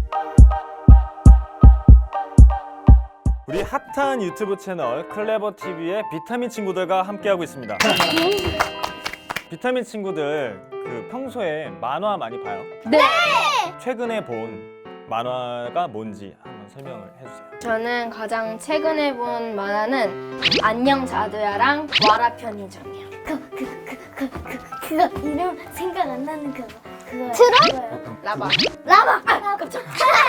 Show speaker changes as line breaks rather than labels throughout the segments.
우리 핫한 유튜브 채널 클레버TV의 비타민 친구들과 함께하고 있습니다. 비타민 친구들, 평소에 만화 많이 봐요?
네!
최근에 본 만화가 뭔지 한번 설명을 해주세요.
저는 가장 최근에 본 만화는 안녕 자두야랑 와라 편의점이요.
그거 이름 생각 안 나는 그거.
트롯? 라바.
라바. 아, 깜짝.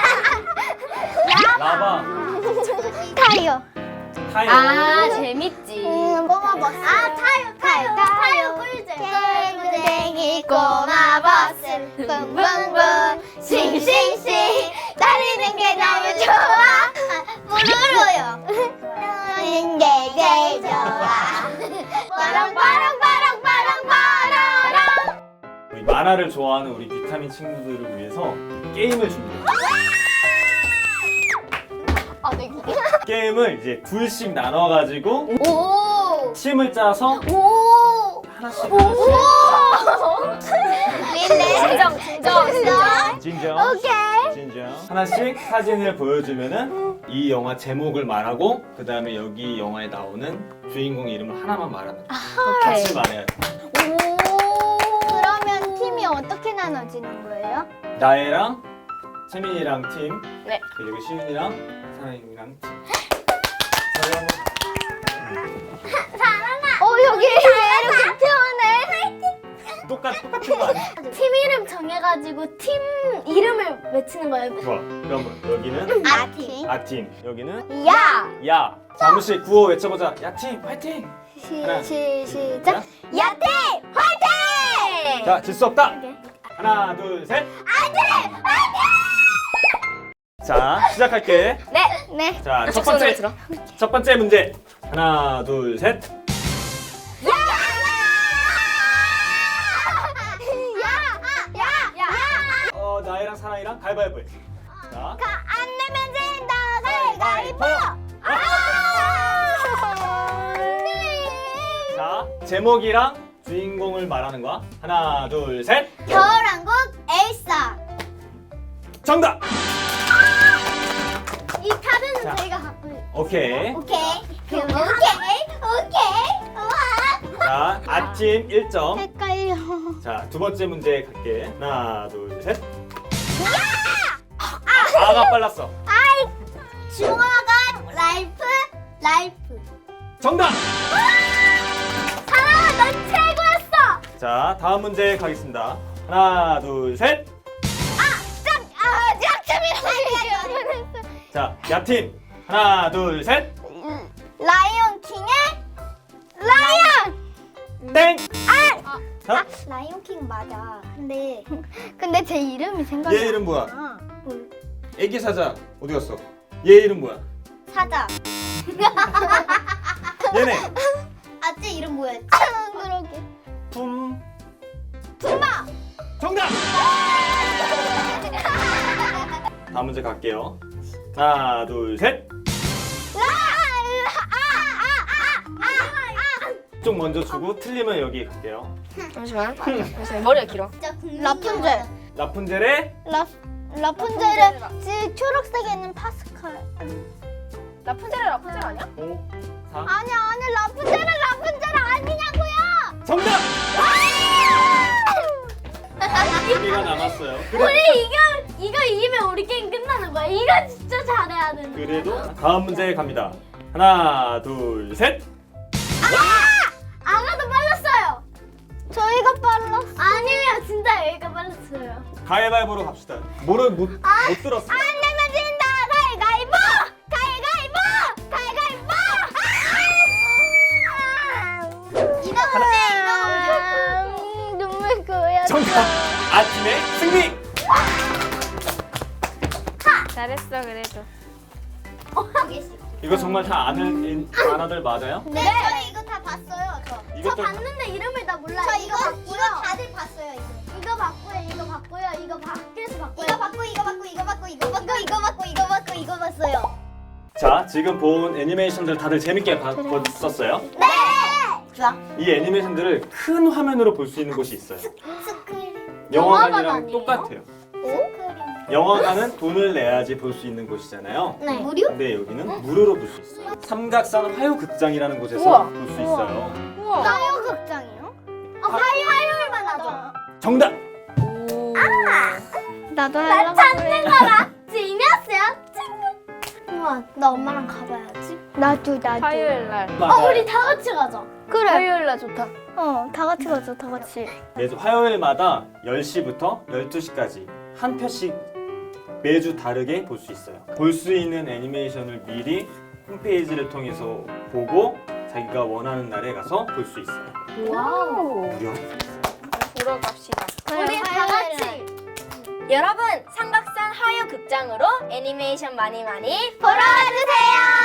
라바,
타요.
타요.
아, 재밌지.
꼬마버스. 아, 타요. 꿀잼. 꼬마버스. 붕붕붕. 싱싱싱. 달리는 게 너무 좋아. 무르르요. 노는 게 제일 좋아. 빠랑빠랑.
우리 만화를 좋아하는 우리 비타민 친구들을 위해서 게임을 준비했어요.
아, 네.
게임을 이제 둘씩 나눠가지고
오.
팀을 짜서
오.
하나씩
진정.
진정
오케이.
진정 하나씩 사진을 보여주면은 이 영화 제목을 말하고 그 다음에 여기 영화에 나오는 주인공 이름을 하나만 말하는 거야.
오케이.
같이 말해야 돼.
그러면 팀이 어떻게 나눠지는 거예요?
나혜랑 채민이랑 팀,
네.
그리고 시윤이랑 사랑이랑 팀.
여기 왜 이렇게 태어네?
똑같은 거 아니야?
팀 이름 정해가지고 팀 이름을 외치는 거예요.
좋아. 그러면 여기는
아팀.
아팀, 여기는
야.
야. 잠시 구호 외쳐보자. 야팀 화이팅! 하나,
시작. 야팀 화이팅!
자, 질 수 없다.
오케이.
하나, 둘, 셋. 자, 시작할게.
네.
자, 첫
손으로
번째
들어.
첫 번째 문제. 하나, 둘, 셋. 나이랑 사랑이랑 가위바위보 해. 자,
안 내면 진다.
가위바위보. 자, 제목이랑 주인공을 말하는 거야. 하나, 둘, 셋.
겨울왕국 엘사.
정답.
이 카드는
자.
저희가 갖고.
오케이.
오케이. 와.
자, 아팀 1점.
헷갈려.
자, 두 번째 문제 갈게. 하나, 둘, 셋. 아가 빨랐어.
중화가 라이프.
정답.
사랑아, 넌 최고였어.
자, 다음 문제 가겠습니다. 하나, 둘, 셋.
약점이라고.
자, 야팀. 하나, 둘, 셋.
라이온 킹의 라이언.
땡. 자,
라이온 킹 맞아. 근데 제 이름이 생각이
얘 이름 뭐야?
안 나.
애기 사자 어디 갔어? 얘 이름 뭐야?
사자.
얘네.
아쟤 이름 뭐였지? 그러게.
품.
tumba.
정답. 다음 문제 갈게요. 하나, 둘, 셋. 쪽 먼저 주고 틀리면 여기 갈게요.
잠시만. 머리가 길어.
라푼젤.
라푼젤의
라푼젤은 초록색에 있는 파스칼.
라푼젤 아니야?
5, 4.
아니 라푼젤은 아니냐고요.
정답. 여기가 남았어요.
우리 이거 이기면 우리 게임 끝나는 거야. 이거 진짜 잘해야 되는.
그래도 다음 문제 갑니다. 하나, 둘, 셋.
아가도 빨랐어요. 저희가 빨랐어. 아니에요, 진짜 여기가 빨랐어요.
가위바위보로 갑시다. 못 들었어.
안 내면 진다. 가위바위보. 이거 문제. 눈물 고여.
정답. 아팀의 승리.
잘했어, 그래도.
이거 정말 다 아는 만화들 맞아요?
네, 저 이거 다 봤어요. 저
이것도
봤는데 이름을 다 몰라요. 저 이거 다들 봤어요. 이거 봤고요. 이거 밖에서 봤고요. 이거 봤어요.
자, 지금 본 애니메이션들 다들 재밌게 봤었어요?
네. 좋아.
이 애니메이션들을 큰 화면으로 볼 수 있는 곳이 있어요.
스크린.
영화관이랑
영화관 아니에요?
똑같아요.
스크린.
영화관은 돈을 내야지 볼 수 있는 곳이잖아요.
네. 무료?
근데 여기는 무료로 볼 수 있어요. 삼각산 화요극장이라는 곳에서
우와.
볼 수 있어요.
우와.
화요극장이요? 화요일만 하죠.
정답!
나도 나 찾는 거라. 지녔어요? 우와, 나 엄마랑 가봐야지. 나도.
화요일 날.
우리 다 같이 가자. 그래.
화요일 날 좋다.
다 같이 가자, 다 같이.
매주 화요일마다 10시부터 12시까지 한 편씩 매주 다르게 볼 수 있어요. 볼 수 있는 애니메이션을 미리 홈페이지를 통해서 보고 자기가 원하는 날에 가서 볼 수 있어요.
와우.
무료.
보러 갑시다.
우리 다 같이.
여러분, 삼각산 화요극장으로 애니메이션 많이
보러 와주세요.